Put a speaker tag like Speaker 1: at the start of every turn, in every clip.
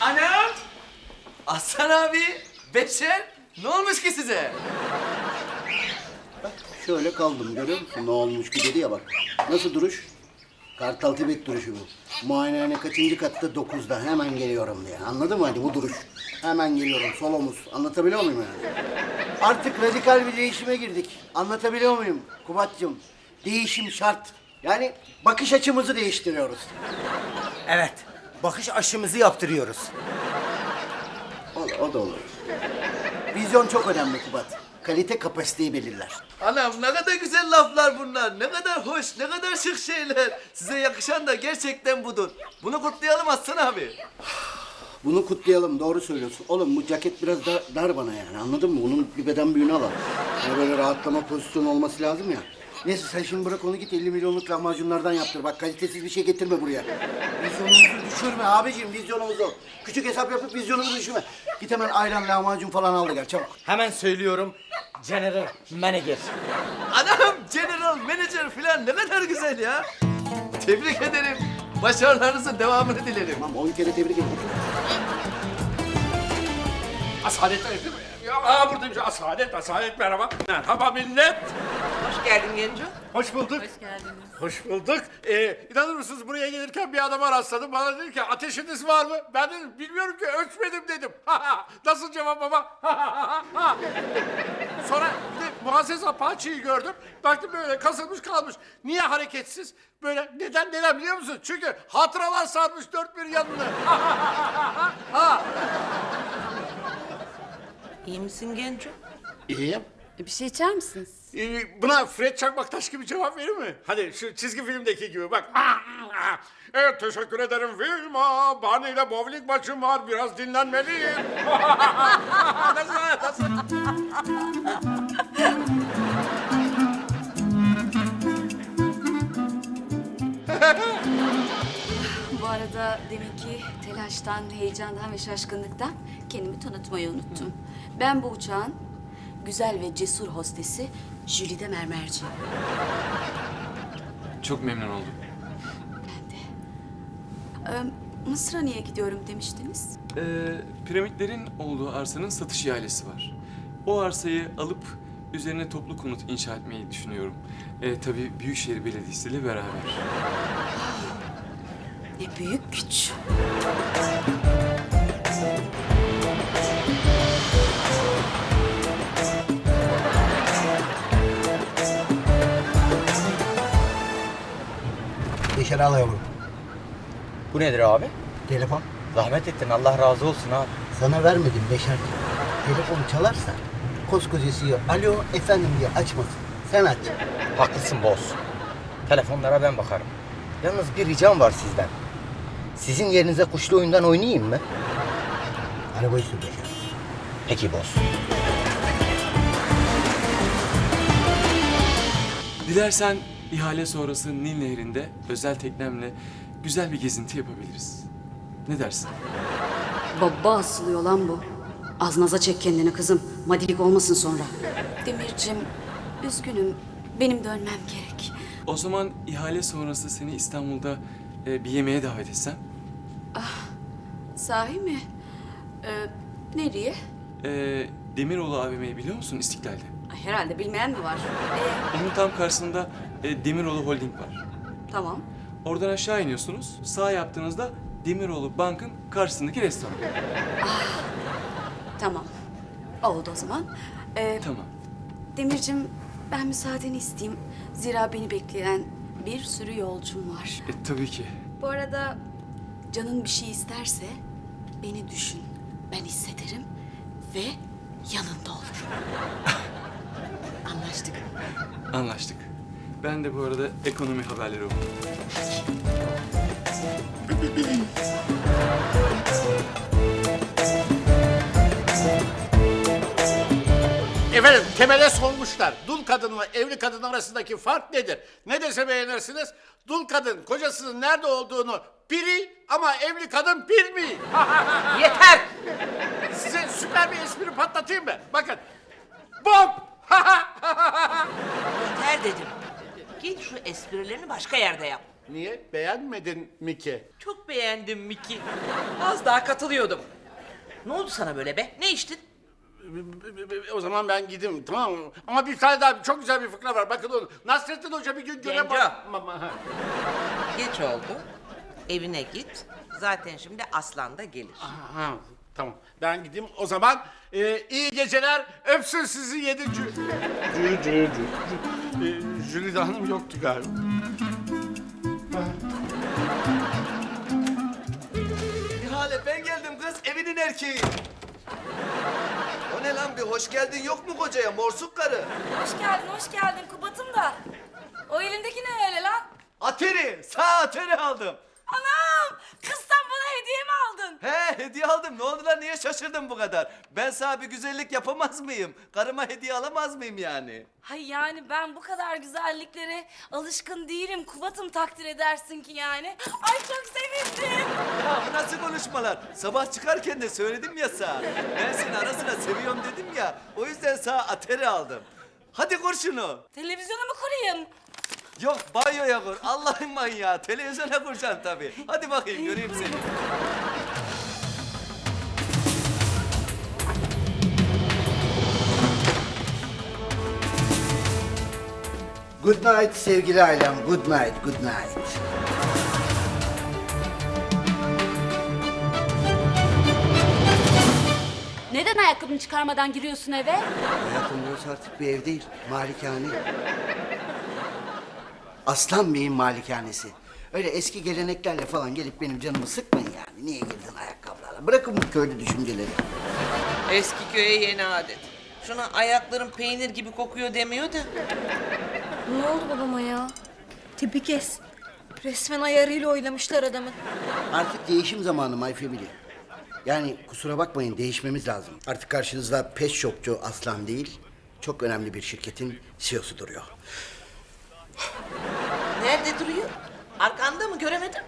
Speaker 1: Anam! Aslan abi, Beşer, ne olmuş ki size?
Speaker 2: Şöyle kaldım, görüyor musun? Ne olmuş ki dedi ya bak. Nasıl duruş? Kartal Tibet duruşu bu. Muayenehane kaçıncı katta? 9'da. Hemen geliyorum diye. Anladın mı hadi bu duruş? Hemen geliyorum, sol omuz. Anlatabiliyor muyum yani? Artık radikal bir değişime girdik. Anlatabiliyor muyum Kubat'cığım? Değişim şart. Yani bakış açımızı değiştiriyoruz.
Speaker 3: Evet, bakış aşımızı yaptırıyoruz.
Speaker 2: O da olur. Vizyon çok önemli Kubat. Kalite kapasiteyi belirler.
Speaker 1: Anam ne kadar güzel laflar bunlar. Ne kadar hoş, ne kadar şık şeyler. Size yakışan da gerçekten budur. Bunu kutlayalım Aslan abi.
Speaker 2: Bunu kutlayalım, doğru söylüyorsun. Oğlum bu ceket biraz dar bana yani, anladın mı? Bunun bir beden büyüğünü alalım. Yani böyle rahatlama pozisyonu olması lazım ya. Neyse sen şimdi bırak onu, git 50 milyonluk lahmacunlardan yaptır. Bak kalitesiz bir şey getirme buraya. Vizyonumuzu düşürme abiciğim, vizyonumuzu. Küçük hesap yapıp vizyonumuzu düşürme. Git hemen ayran, lahmacun falan al da gel çabuk.
Speaker 3: Hemen söylüyorum, General Manager.
Speaker 1: Anam, general, manager falan ne kadar güzel ya. Tebrik ederim. Başarılarınızın devamını dilerim.
Speaker 2: Tamam 10 kere tebrik ederim.
Speaker 4: Asalet değil mi? Buradayım. Asalet merhaba. Merhaba millet.
Speaker 5: Hoş geldin Genco.
Speaker 4: Hoş bulduk.
Speaker 5: Hoş geldiniz.
Speaker 4: Hoş bulduk. İnanır mısınız buraya gelirken bir adama rastladım. Bana dedi ki ateşiniz var mı? Ben dedim bilmiyorum ki ölçmedim dedim. Nasıl cevap baba? Sonra bir de Muazzez Apache'yi gördüm. Baktım böyle kasılmış kalmış. Niye hareketsiz? Böyle neden biliyor musun? Çünkü hatıralar sarmış dört bir yanını.
Speaker 5: İyi misin Genco?
Speaker 4: İyiyim.
Speaker 6: Bir şey içer misiniz?
Speaker 4: Buna Fred Çakmaktaş gibi cevap verir mi? Hadi şu çizgi filmdeki gibi bak. Evet teşekkür ederim Vilma. Barney ile bowling maçım var. Biraz dinlenmeliyim. Nasıl?
Speaker 6: Bu arada deminki telaştan, heyecandan ve şaşkınlıktan kendimi tanıtmayı unuttum. Ben bu uçağın güzel ve cesur hostesi Jülide Mermerci.
Speaker 7: Çok memnun oldum.
Speaker 6: Mısır'a niye gidiyorum demiştiniz?
Speaker 7: Piramitlerin olduğu arsanın satış ihalesi var. O arsayı alıp üzerine toplu konut inşa etmeyi düşünüyorum. Tabii Büyükşehir Belediyesi ile beraber.
Speaker 6: Ne büyük güç.
Speaker 2: Beşer al yavrum.
Speaker 3: Bu nedir abi?
Speaker 2: Telefon.
Speaker 3: Zahmet ettin, Allah razı olsun abi.
Speaker 2: Sana vermedim Beşer. Telefon çalarsa koskoca CEO alo efendim diye açmasın. Sen aç.
Speaker 3: Haklısın boss. Telefonlara ben bakarım. Yalnız bir ricam var sizden. Sizin yerinize kuşlu oyundan oynayayım mı?
Speaker 2: Arabayı sür Beşer.
Speaker 3: Peki boss.
Speaker 7: Dilersen ihale sonrası Nil Nehri'nde özel teknemle güzel bir gezinti yapabiliriz. Ne dersin?
Speaker 6: Baba asılıyor lan bu. Az naza çek kendini kızım. Madilik olmasın sonra. Demircim, üzgünüm. Benim dönmem gerek.
Speaker 7: O zaman ihale sonrası seni İstanbul'da bir yemeğe davet etsem?
Speaker 6: Sahi mi? Nereye?
Speaker 7: Demiroğlu AVM'yi biliyor musun İstiklal'de?
Speaker 6: Ay, herhalde bilmeyen mi var?
Speaker 7: Onun tam karşısında Demiroğlu Holding var.
Speaker 6: Tamam.
Speaker 7: Oradan aşağı iniyorsunuz. Sağ yaptığınızda Demiroğlu Bank'ın karşısındaki restoran.
Speaker 6: Tamam. Oldu o zaman.
Speaker 7: Tamam.
Speaker 6: Demircim, ben müsaadeni isteyeyim. Zira beni bekleyen bir sürü yolcum var.
Speaker 7: Tabii ki.
Speaker 6: Bu arada canın bir şey isterse beni düşün. Ben hissederim ve yanında olurum. Anlaştık.
Speaker 7: Anlaştık. Ben de bu arada ekonomi haberleri okudum.
Speaker 4: Efendim temele sormuşlar. Dul kadınla evli kadın arasındaki fark nedir? Ne dese beğenirsiniz? Dul kadın kocasının nerede olduğunu biri ama evli kadın bilmiyor.
Speaker 5: Yeter!
Speaker 4: Size süper bir espri patlatayım mı? Bakın. Bom!
Speaker 5: Yeter dedim. Git şu esprilerini başka yerde yap.
Speaker 4: Niye? Beğenmedin mi ki?
Speaker 5: Çok beğendim Miki. Az daha katılıyordum. Ne oldu sana böyle be? Ne içtin?
Speaker 4: O zaman ben gideyim, tamam mı? Ama bir tane daha çok güzel bir fıkra var. Bakın onu. Nasrettin Hoca bir gün göre
Speaker 5: Genco.
Speaker 4: Ha.
Speaker 5: Geç oldu. Evine git. Zaten şimdi Aslan da gelir.
Speaker 4: Ha, tamam. Ben gideyim. O zaman iyi geceler. Öpsün sizi 7. Jülide Hanım yoktu galiba.
Speaker 1: Nihale ben geldim kız, evinin erkeği. O ne lan bir hoş geldin yok mu kocaya morsuk karı?
Speaker 8: Hoş geldin Kubat'ım da. O elindeki ne öyle lan?
Speaker 1: Ateri, sağ ateri aldım.
Speaker 8: Anam! Kız sen bana hediye mi aldın?
Speaker 1: He hediye aldım. Ne oldu lan niye şaşırdın bu kadar? Ben sana bir güzellik yapamaz mıyım? Karıma hediye alamaz mıyım yani?
Speaker 8: Hay yani ben bu kadar güzelliklere alışkın değilim. Kubat'ım takdir edersin ki yani. Ay çok sevindim.
Speaker 1: Ya bu nasıl konuşmalar? Sabah çıkarken de söyledim ya sana. Ben seni ara sıra seviyorum dedim ya. O yüzden sana ateri aldım. Hadi kur şunu.
Speaker 8: Televizyonu mu kurayım?
Speaker 1: Yok banyoya kur. Allah'ın manyağı. Televizyona kuracaksın tabii. Hadi bakayım göreyim seni.
Speaker 2: Good night sevgili ailem. Good night, good night.
Speaker 6: Neden ayakkabını çıkarmadan giriyorsun eve?
Speaker 2: Hayatım burası artık bir ev değil, malikane. Aslan Bey'in malikanesi. Öyle eski geleneklerle falan gelip benim canımı sıkmayın yani. Niye girdin ayakkabılarla? Bırakın bu köylü düşünceleri.
Speaker 5: Eski köye yeni adet. Şuna ayakların peynir gibi kokuyor demiyor da.
Speaker 8: Ne oldu babama ya? Tipi kes. Resmen ayarıyla oynamışlar adamı.
Speaker 2: Artık değişim zamanı My Family. Yani kusura bakmayın değişmemiz lazım. Artık karşınızda pet shopçu Aslan değil, çok önemli bir şirketin CEO'su duruyor.
Speaker 5: Nerede duruyor? Arkanda mı? Göremedim.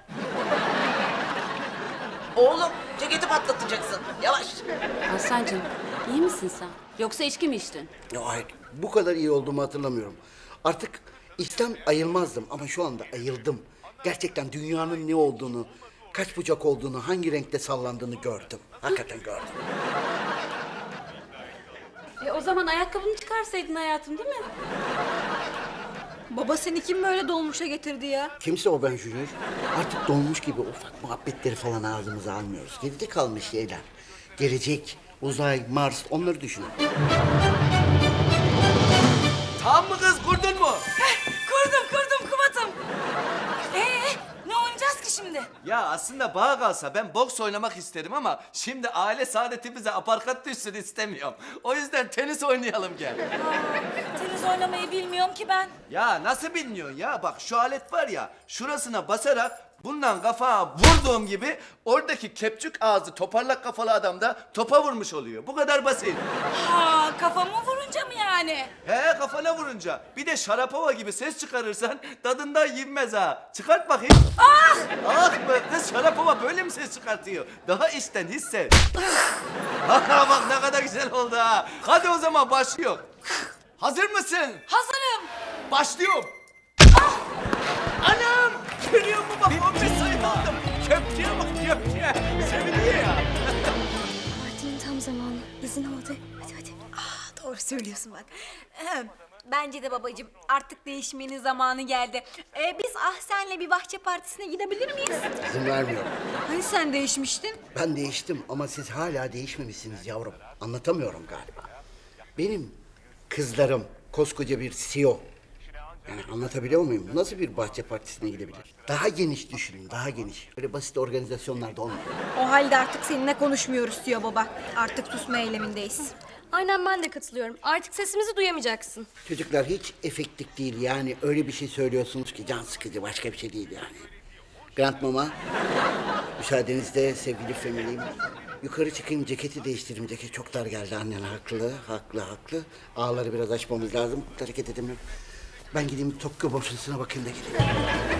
Speaker 5: Oğlum ceketi patlatacaksın. Yavaş.
Speaker 6: Aslancığım iyi misin sen? Yoksa içki mi içtin?
Speaker 2: Ya hayır, bu kadar iyi olduğumu hatırlamıyorum. Artık içten ayılmazdım ama şu anda ayıldım. Gerçekten dünyanın ne olduğunu, kaç bucak olduğunu, hangi renkte sallandığını gördüm. Hakikaten gördüm.
Speaker 6: O zaman ayakkabını çıkarsaydın hayatım değil mi?
Speaker 8: Baba seni kim böyle dolmuşa getirdi ya?
Speaker 2: Kimse o ben Junior. Artık dolmuş gibi ufak muhabbetleri falan ağzımıza almıyoruz. Geride kalmış şeyler. Gelecek, uzay, Mars onları düşünün.
Speaker 1: Tamam mı kız kurdun mu?
Speaker 8: Kurdum Kubat'ım. Ne oynayacağız ki şimdi?
Speaker 1: Ya aslında bana kalsa ben boks oynamak isterim ama şimdi aile saadetimize aparkat düşsün istemiyorum. O yüzden tenis oynayalım gel.
Speaker 8: Tenis oynamayı bilmiyorum ki ben.
Speaker 1: Ya nasıl bilmiyorsun ya? Bak şu alet var ya, şurasına basarak bundan kafaya vurduğum gibi oradaki kepçük ağzı toparlak kafalı adam da topa vurmuş oluyor. Bu kadar basit.
Speaker 8: Ha kafamı vurunca mı yani?
Speaker 1: He kafana vurunca. Bir de şarapova gibi ses çıkarırsan tadından yenmez ha. Çıkart bakayım. Ah! Ah be kız şarapova böyle mi ses çıkartıyor? Daha içten hisset. Ha bak ne kadar güzel oldu ha. Hadi o zaman başlıyor. Hazır mısın?
Speaker 8: Hazırım.
Speaker 1: Başlıyorum. Anam! Görüyor musun bak 15 sayı aldım. Köpçeye bak köpçeye. Seviniyor ya.
Speaker 8: Partinin tam zamanı. İzin aldı. Hadi. Doğru söylüyorsun bak. Bence de babacığım artık değişmenin zamanı geldi. Biz Ahsen'le bir bahçe partisine gidebilir miyiz?
Speaker 2: İzin vermiyorum.
Speaker 8: Hani sen değişmiştin?
Speaker 2: Ben değiştim ama siz hala değişmemişsiniz yavrum. Anlatamıyorum galiba. Benim kızlarım koskoca bir CEO. Yani anlatabiliyor muyum? Nasıl bir bahçe partisine gidebilir? Daha geniş düşünün, daha geniş. Böyle basit organizasyonlarda olmuyor.
Speaker 9: O halde artık seninle konuşmuyoruz diyor baba. Artık susma eylemindeyiz.
Speaker 8: Aynen ben de katılıyorum. Artık sesimizi duyamayacaksın.
Speaker 2: Çocuklar hiç efektif değil yani. Öyle bir şey söylüyorsunuz ki can sıkıcı, başka bir şey değil yani. Grant Mama, müsaadenizle sevgili family'im. Yukarı çıkayım, ceketi değiştireyim. Ceket çok dar geldi, annen haklı. Ağları biraz açmamız lazım, hareket edemiyorum. Ben gideyim Tokyo borsasına bakayım da geleyim.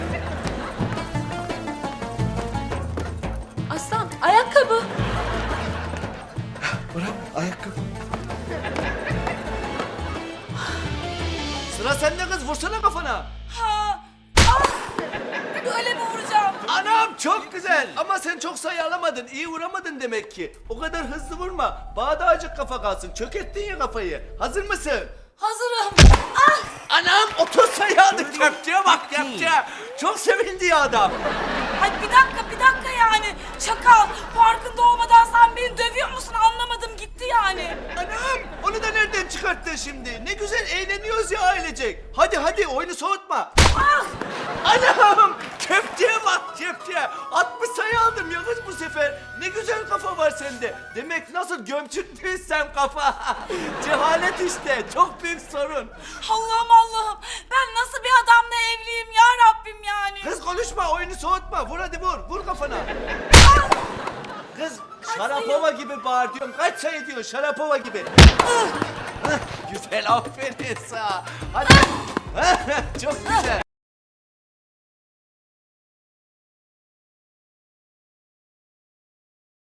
Speaker 6: Aslan ayakkabı.
Speaker 2: Bırak, ayakkabı.
Speaker 1: Sıra sende kız vursana kafana.
Speaker 8: Ha! Böyle
Speaker 1: Anam çok güzel ama sen çok sayı alamadın, iyi vuramadın demek ki. O kadar hızlı vurma, bağdacık kafa kalsın, çökerttin ya kafayı. Hazır mısın?
Speaker 6: Hazırım. Ah!
Speaker 1: Anam 30 sayı aldı, köpçeye bak köpçeye. Çok sevindi ya adam.
Speaker 6: Ay bir dakika yani. Çakal, farkında olmadan sen beni dövüyor musun anlamadım gitti yani.
Speaker 1: Anam onu da nereden çıkarttın şimdi? Ne güzel eğleniyoruz ya ailecek. Hadi oyunu soğutma.
Speaker 6: Ah!
Speaker 1: Anam köfteye bak köfteye. 60 sayı aldım ya kız bu sefer. Ne güzel kafa var sende. Demek nasıl gömçüklüysen kafa. Cehalet işte çok büyük sorun.
Speaker 6: Allah'ım. Ben nasıl bir adamla evliyim ya Rabbim yani.
Speaker 1: Kız konuşma oyunu soğutma. Vur hadi vur kafana. Kız Şarapova gibi bağır diyorum. Kaç sayı diyor Şarapova gibi. Güzel aferin sana. Hadi. Çok güzel.